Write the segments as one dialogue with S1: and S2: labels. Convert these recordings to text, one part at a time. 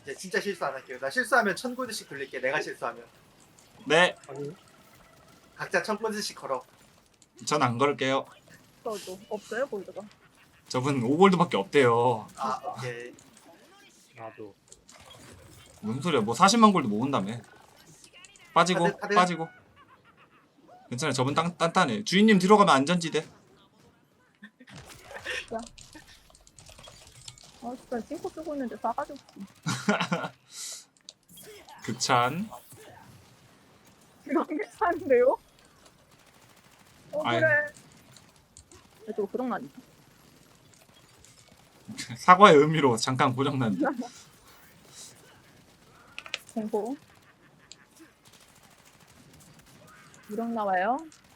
S1: 이제 진짜 실수 안 할게요. 나 실수하면 1000골드씩 돌릴게. 내가 실수하면
S2: 네,
S3: 아니
S1: 각자 1000골드씩 걸어.
S2: 전 안 걸을게요.
S4: 저도 없어요 골드가.
S2: 저분 5골드밖에 없대요.
S1: 아 오케이.
S3: 나도
S2: 무슨 소리야? 뭐 40만 골드 모은다며. 빠지고
S1: 카드.
S2: 빠지고. 괜찮아요. 저분 단단해. 주인님 들어가면 안전지대.
S4: 아 진짜 싱크 쓰고 있는데 싸가지 없지.
S2: 극찬.
S4: 이거 안 괜찮은데요?
S2: 아이.
S4: 그래. 또 고장나니.
S2: 사과의 의미로 잠깐 고장난.
S4: 공포. 유령 나와요.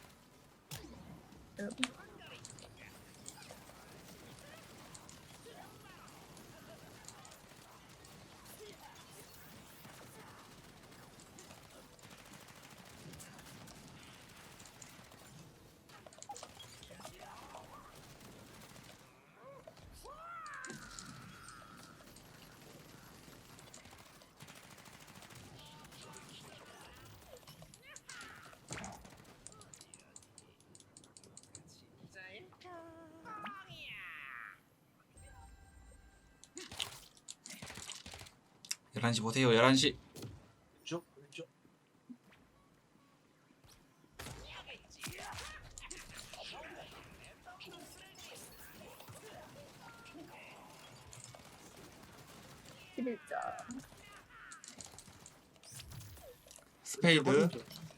S2: 열 11시 보세요. 11시.
S1: 왼쪽 왼쪽.
S4: 십일자.
S2: 스페이드.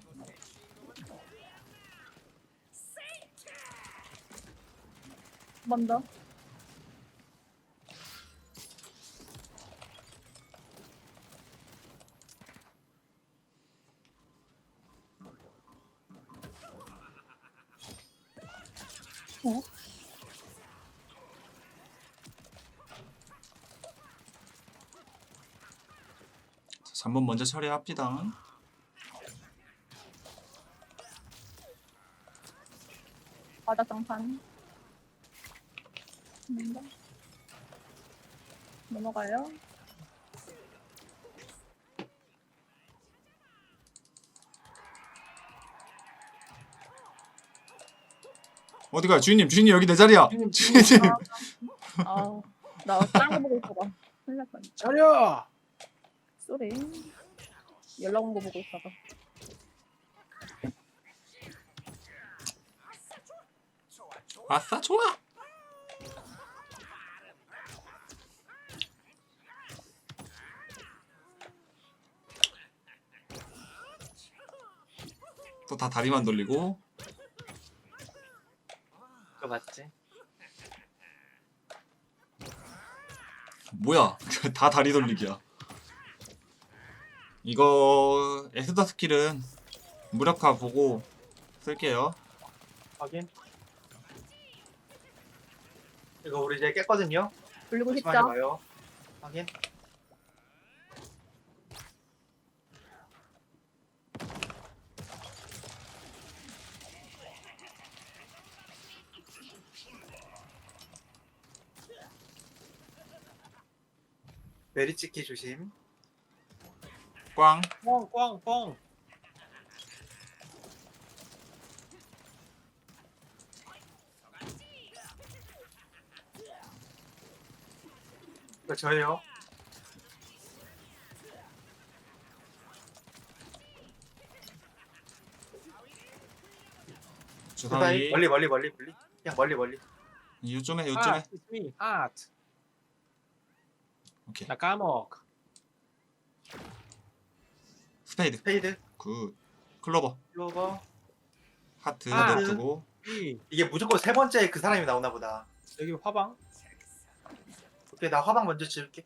S4: 한 번 더. 어?
S2: 3번 먼저 처리합시다.
S4: 바닥 장판. 넘어가요.
S2: 어디가 주인님? 주인님 여기 내 자리야. 주인님.
S4: 아, 나 다른 거 보고 있어봐. 큰일 날 뻔.
S3: 차려.
S4: 쏘리. 연락 온 거 보고 있다가.
S2: 아싸 좋아. 또 다 다리만 돌리고.
S1: 그거 맞지?
S2: 뭐야? 다 다리 돌리기야. 이거 에스더 스킬은 무력화 보고 쓸게요.
S1: 확인. 이거 우리 이제 깼거든요.
S4: 돌리고
S1: 조심하지
S4: 싶죠?
S1: 마요. 확인. 메리 찍기 조심.
S2: 꽝.
S3: 뻥뻥뻥.
S1: 이거 저예요.
S2: 주사위.
S1: 멀리 멀리 멀리 멀리. 그냥 멀리 멀리.
S2: 요쯤에
S3: 아,
S2: 요쯤에.
S3: it's me. 하트.
S2: 오케이.
S3: 나 까먹.
S2: 스페이드.
S1: 페이드.
S2: 굿. 클로버.
S1: 클로버.
S2: 하트
S3: 아.
S2: 냅두고.
S1: 이게 무조건 세 번째 그 사람이 나오나 보다.
S3: 여기 화방.
S1: 오케이 나 화방 먼저 지울게.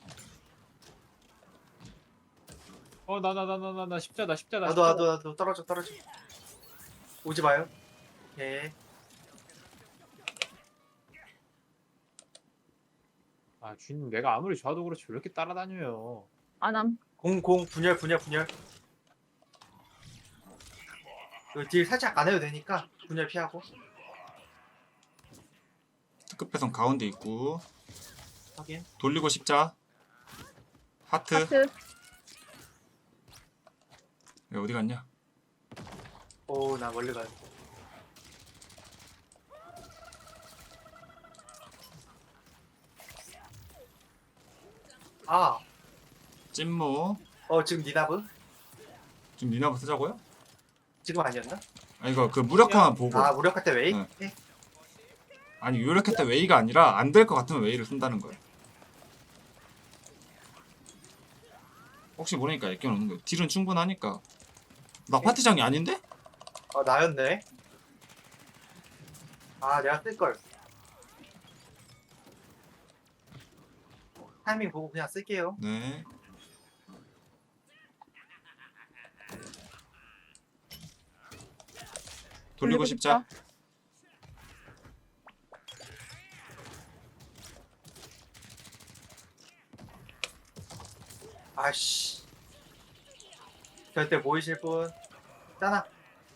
S3: 나 십자다.
S1: 나도 떨어져. 오지 마요. 오케이.
S3: 아 주인님 내가 아무리 좋아도 그렇지 왜 이렇게 따라다녀요.
S4: 안함.
S1: 공 분열. 이거 딜 살짝 안 해도 되니까 분열 피하고.
S2: 특급 배선 가운데 있고.
S1: 확인.
S2: 돌리고 십자. 하트.
S4: 하트.
S2: 야, 어디 갔냐?
S1: 오, 나 멀리 가야 돼. 아,
S2: 찐무.
S1: 지금 니나브?
S2: 지금 니나부 쓰자고요?
S1: 지금 아니었나?
S2: 아 이거 그 무력화만 보고.
S1: 아, 무력화 때 웨이?
S2: 네.
S1: 네.
S2: 아니 유력했다 웨이가 아니라 안 될 것 같으면 웨이를 쓴다는 거예요. 혹시 모르니까 애껴 놓는 거예요. 딜은 충분하니까. 나 파티장이 아닌데?
S1: 나였네. 아, 내가 쓸걸. 타이밍 보고 그냥 쓸게요.
S2: 네. 돌리고 싶자.
S1: 아씨. 절대 모이실 분. 짜나.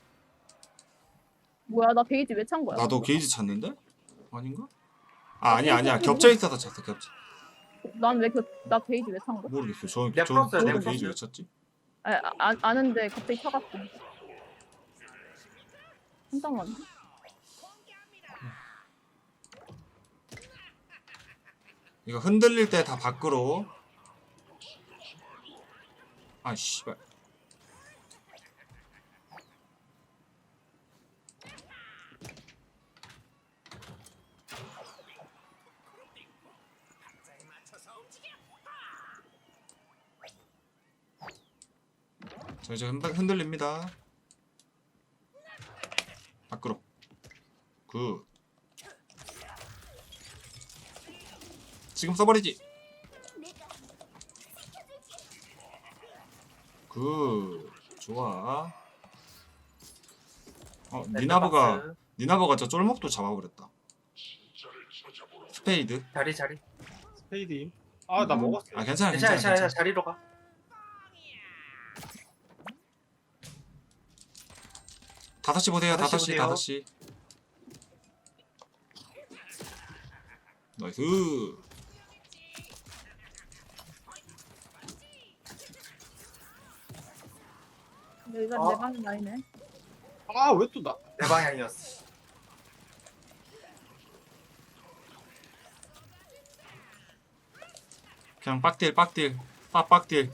S4: 뭐야 나 베이지 왜 찬 거야?
S2: 나도 게이지 찾는데? 아닌가? 아 아니야 겹쳐 있어서 찼어 겹쳐.
S4: 난왜나 베이지 왜 찬 거야?
S2: 모르겠어.
S1: 내가 풀었어요,
S2: 저는
S1: 내가
S2: 게이지
S1: 풀었어요.
S2: 왜 찼지?
S4: 아는데 갑자기 차갔어. 잠깐만.
S2: 이거 흔들릴 때 다 밖으로. 아 씨발. 저 이제 흔들립니다. 밖으로. 굿. 지금 써버리지. 굿. 좋아. 니나버가 저 쫄목도 잡아버렸다. 스페이드.
S1: 자리.
S3: 스페이드임. 아 나 먹었어.
S2: 아 괜찮아
S1: 괜찮아,
S2: 괜찮아. 괜찮아.
S1: 자리로 가.
S2: 다섯 시 보세요.
S1: 다섯
S2: 다섯
S1: 시
S2: 시
S1: 보세요.
S2: 다섯 시. 나이스.
S4: 여기가
S1: 어?
S4: 내 방이 나이네.
S3: 아 왜 또 나?
S1: 내 방향이었어.
S2: 그냥 빡딜. 빡딜.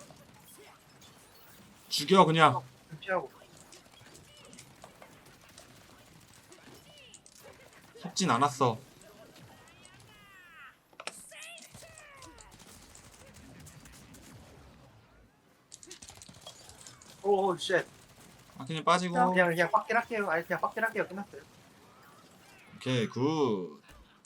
S2: 죽여 그냥.
S1: 좀 피하고.
S2: 속진 않았어.
S1: 오, 쉣.
S2: 아키님 빠지고.
S1: 그냥 빡길 할게요. 아니, 그냥 빡길 할게요. 끝났어요.
S2: 오케이 굿.